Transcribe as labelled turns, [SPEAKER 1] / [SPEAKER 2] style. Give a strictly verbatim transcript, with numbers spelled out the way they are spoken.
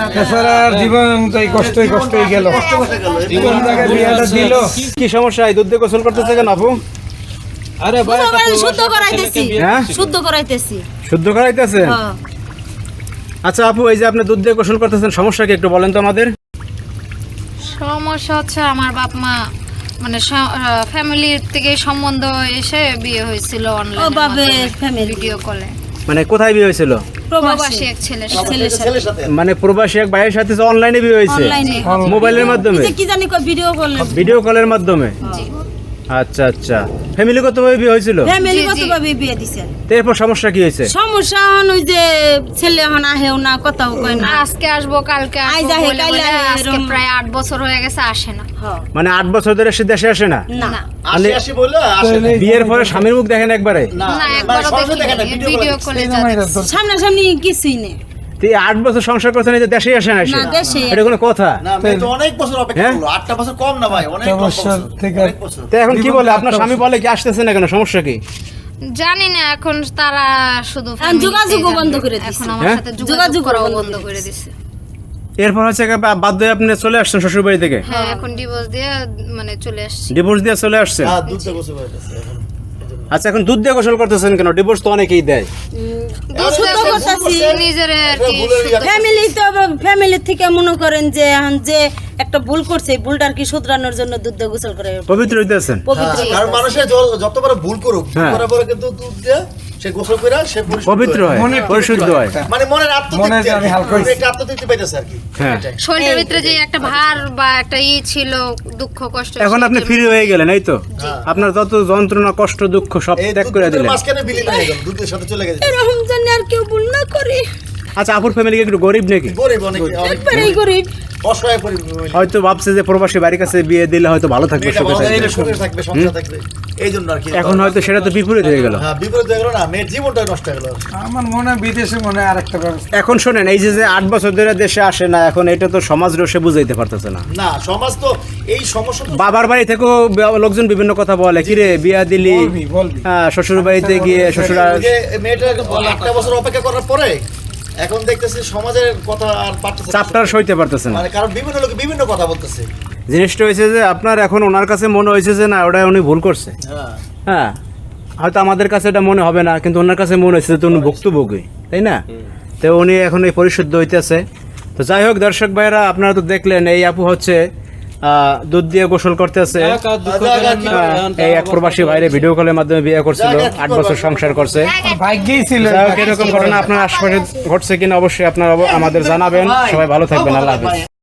[SPEAKER 1] জীবন তাই কষ্টই কষ্টই গেল।
[SPEAKER 2] কি সমস্যা? দুধ দিয়ে গোসল করতেছে কেন আপু?
[SPEAKER 1] আরে ভাই
[SPEAKER 3] শুদ্ধ করাইতেছি।
[SPEAKER 2] হ্যাঁ
[SPEAKER 3] শুদ্ধ করাইতেছি।
[SPEAKER 2] শুদ্ধ করাইতেছেন? আচ্ছা আপু, এই যে আপনি দুধ দিয়ে গোসল করতেছেন, সমস্যা কি একটু বলেন তো আমাদের।
[SPEAKER 4] সমস্যা হচ্ছে আমার বাপ মা মানে ফ্যামিলির থেকে সম্বন্ধ এসে বিয়ে হয়েছিল অনলাইনে
[SPEAKER 3] ফ্যামিলি
[SPEAKER 4] ভিডিও কলে।
[SPEAKER 2] মানে কোথায় বিয়ে হয়েছিল?
[SPEAKER 4] প্রবাসী এক ছেলের সাথে।
[SPEAKER 2] মানে প্রবাসী এক ভাইয়ের সাথে অনলাইনে বিয়ে হয়েছে, মোবাইলের মাধ্যমে,
[SPEAKER 3] কি জানি কো ভিডিও কলে,
[SPEAKER 2] ভিডিও কলের মাধ্যমে। আচ্ছা আচ্ছা, ফ্যামিলিগতভাবে বিয়ে হয়েছিল?
[SPEAKER 3] ফ্যামিলিগতভাবে বিয়ে দিছেন।
[SPEAKER 2] এরপর সমস্যা কি হয়েছে?
[SPEAKER 3] সমস্যা হন ওই যে ছেলে এখন আহেও না, কথাও কয় না।
[SPEAKER 4] আজকে আসবো কালকে
[SPEAKER 3] আই
[SPEAKER 4] আসবো
[SPEAKER 3] যাহে
[SPEAKER 4] বলে
[SPEAKER 3] কাইলে
[SPEAKER 4] বলে
[SPEAKER 3] আহে,
[SPEAKER 4] আজকে
[SPEAKER 3] এরম।
[SPEAKER 4] প্রায় আট বছর হয়ে গেছে, আসে না।
[SPEAKER 2] মানে আট বছর ধরে সে দেশে আসে না?
[SPEAKER 3] না
[SPEAKER 2] মানে বিয়ের পরে স্বামীর মুখ দেখেন একবারে?
[SPEAKER 4] না একবারও দেখিনি, ভিডিও কলে যাচ্ছে।
[SPEAKER 3] সামনাসামনি কিছুই নেই।
[SPEAKER 2] তুই আট বছর সংসার করতে নিয়ে দেশে আসে না?
[SPEAKER 3] না, দেশে
[SPEAKER 2] এটা কোনো কথা?
[SPEAKER 5] না মেয়ে তো অনেক বছর অপেক্ষা করলো, আটটা বছর কম না ভাই, অনেক কম বছর
[SPEAKER 1] থেকে
[SPEAKER 5] অনেক বছর।
[SPEAKER 2] তো এখন কি বলে আপনার স্বামী? বলে কি আসতেছে না কেন, সমস্যা কি?
[SPEAKER 4] জানি না, এখন তারা শুধু
[SPEAKER 3] এখন
[SPEAKER 4] family
[SPEAKER 3] যোগাযোগও
[SPEAKER 4] তেই
[SPEAKER 3] বন্ধ
[SPEAKER 4] জানে।
[SPEAKER 3] করে দিছে।
[SPEAKER 4] এখন আমার
[SPEAKER 2] হ্যাঁ?
[SPEAKER 4] সাথে
[SPEAKER 3] যোগাযোগ
[SPEAKER 4] যোগাযোগ করাও
[SPEAKER 3] বন্ধ
[SPEAKER 4] বন্ধ
[SPEAKER 3] করে
[SPEAKER 4] করে
[SPEAKER 3] দিছে।
[SPEAKER 4] দিছে।
[SPEAKER 2] এরপর হচ্ছে বাধ্য হয়ে আপনি চলে আসছেন শ্বশুর বাড়ি থেকে?
[SPEAKER 4] হ্যাঁ, এখন ডিভোর্স দিয়ে মানে চলে আসছি।
[SPEAKER 2] ডিভোর্স দিয়ে চলে আসছেন?
[SPEAKER 5] হ্যাঁ দুধ দিয়ে গোসল করতেছে এখন।
[SPEAKER 2] আচ্ছা, এখন দুধ দিয়ে গোসল করতেছেন কেন? ডিভোর্স তো অনেকেই দেয়।
[SPEAKER 3] শুদ্ধ করতেছি
[SPEAKER 4] নিজের আর কি
[SPEAKER 3] ফ্যামিলি তো ফ্যামিলি থেকে মনে করেন যে এখন যে একটা ভুল করছে, এই ভুলটার কি শুধরানোর জন্য দুধ দিয়ে গোসল করে
[SPEAKER 2] পবিত্র হইতেছেন?
[SPEAKER 3] পবিত্র
[SPEAKER 5] হ্যাঁ, কারণ মানুষের য- যত বড় ভুল করুক, ভুল
[SPEAKER 2] হ্যাঁ।
[SPEAKER 5] করার পরে কিন্তু দুধ দিয়ে সে গোসল করে সে পরিশুদ্ধ
[SPEAKER 2] পবিত্র হয়,
[SPEAKER 1] মনে
[SPEAKER 2] পরিশুদ্ধ হয়।
[SPEAKER 5] মানে মনের
[SPEAKER 1] মনে
[SPEAKER 5] আত্মতৃপ্তি,
[SPEAKER 1] যে আমি হালকা
[SPEAKER 5] আর কি।
[SPEAKER 1] হইছি।
[SPEAKER 5] একটা আত্মতৃপ্তি পাইতেছে আর কি।
[SPEAKER 2] হ্যাঁ।
[SPEAKER 5] এটাই।
[SPEAKER 4] শরীরের ভিতরে যে একটা ভার বা একটা ই ছিল, দুঃখ কষ্ট,
[SPEAKER 2] এখন আপনি ফ্রি হয়ে গেলেন, এই তো? আপনার যত যন্ত্রণা কষ্ট দুঃখ সব
[SPEAKER 5] এই
[SPEAKER 2] ত্যাগ
[SPEAKER 5] দুধ
[SPEAKER 2] করে
[SPEAKER 5] দুধের
[SPEAKER 2] দিলেন।
[SPEAKER 5] মাঝখানে বিলীন হয়ে গেল, দুধের সাথে চলে গেছে।
[SPEAKER 3] এরকম জানি আর কেউ ভুল না করে।
[SPEAKER 2] আচ্ছা, আপুর ফ্যামিলি একটু গরিব নাকি?
[SPEAKER 5] গরিব অনেক, অনেক
[SPEAKER 3] একবারেই গরিব।
[SPEAKER 5] অসহায় পরিবার।
[SPEAKER 2] হয়তো ভাবছে যে প্রবাসী বাড়ির কাছে বিয়ে দিলে হয়তো ভালো থাকবে,
[SPEAKER 5] মেয়েটা
[SPEAKER 2] সুখে
[SPEAKER 5] ভালো
[SPEAKER 2] থাকবে।
[SPEAKER 5] থাকবে, সুখে থাকবে, সংসার থাকবে, এই জন্য আর কি।
[SPEAKER 2] এখন হয়তো সেটা তো বিপরীত হয়ে গেল।
[SPEAKER 5] হ্যাঁ, বিপরীত হয়ে গেল না, মেয়ের জীবনটা নষ্ট হয়ে গেল।
[SPEAKER 1] আমার মনে হয় বিদেশে মনে হয় আরেকটা ব্যবস্থা।
[SPEAKER 2] এখন শোনেন, এই যে যে আট বছর ধরে দেশে আসে না, এখন এটা তো সমাজ রসে বুঝাইতে পারতেছে না।
[SPEAKER 5] না, সমাজ তো এই সমস্যা তো
[SPEAKER 2] বাবার বাড়ি থেকেও বে- লোকজন বিভিন্ন কথা বলে, কিরে বিয়া দিলি,
[SPEAKER 1] বলবি, বলবি।
[SPEAKER 2] হ্যাঁ, শ্বশুর বাড়িতে গিয়ে শ্বশুর
[SPEAKER 5] ওই যে মেয়েটা আটটা বছর অপেক্ষা করার পরে এখন দেখতেছি সমাজের কথা আর পারতেছে না।
[SPEAKER 2] চাপটার সইতে পারতেছে না।
[SPEAKER 5] মানে কারণ বিভিন্ন লোক বিভিন্ন কথা বলতেছে।
[SPEAKER 2] জিনিসটা হয়েছে যে আপনার এখন ওনার কাছে মনে হয়েছে যে না, ওটা উনি ভুল করছে।
[SPEAKER 5] হ্যাঁ
[SPEAKER 2] হ্যাঁ, হয়তো আমাদের কাছে এটা মনে হবে না, কিন্তু ওনার কাছে মনে হয়েছে যে উনি ভুক্তভোগী, তাই না? তো উনি এখন এই পরিশুদ্ধ হইতেছে। তো যাই হোক দর্শক ভাইরা, আপনারা তো দেখলেন এই আপু হচ্ছে আহ, দুধ দিয়ে গোসল করতেছে। এই এক প্রবাসী ভাইরে ভিডিও কলের মাধ্যমে বিয়ে করছিল, আট বছর সংসার করছে।
[SPEAKER 1] ভাগ্যেই ছিল।
[SPEAKER 2] যাই হোক, এরকম ঘটনা আপনার আশপাশে ঘটছে কিনা অবশ্যই আপনারা আমাদের জানাবেন। সবাই ভালো থাকবেন, আল্লাহ হাফেজ।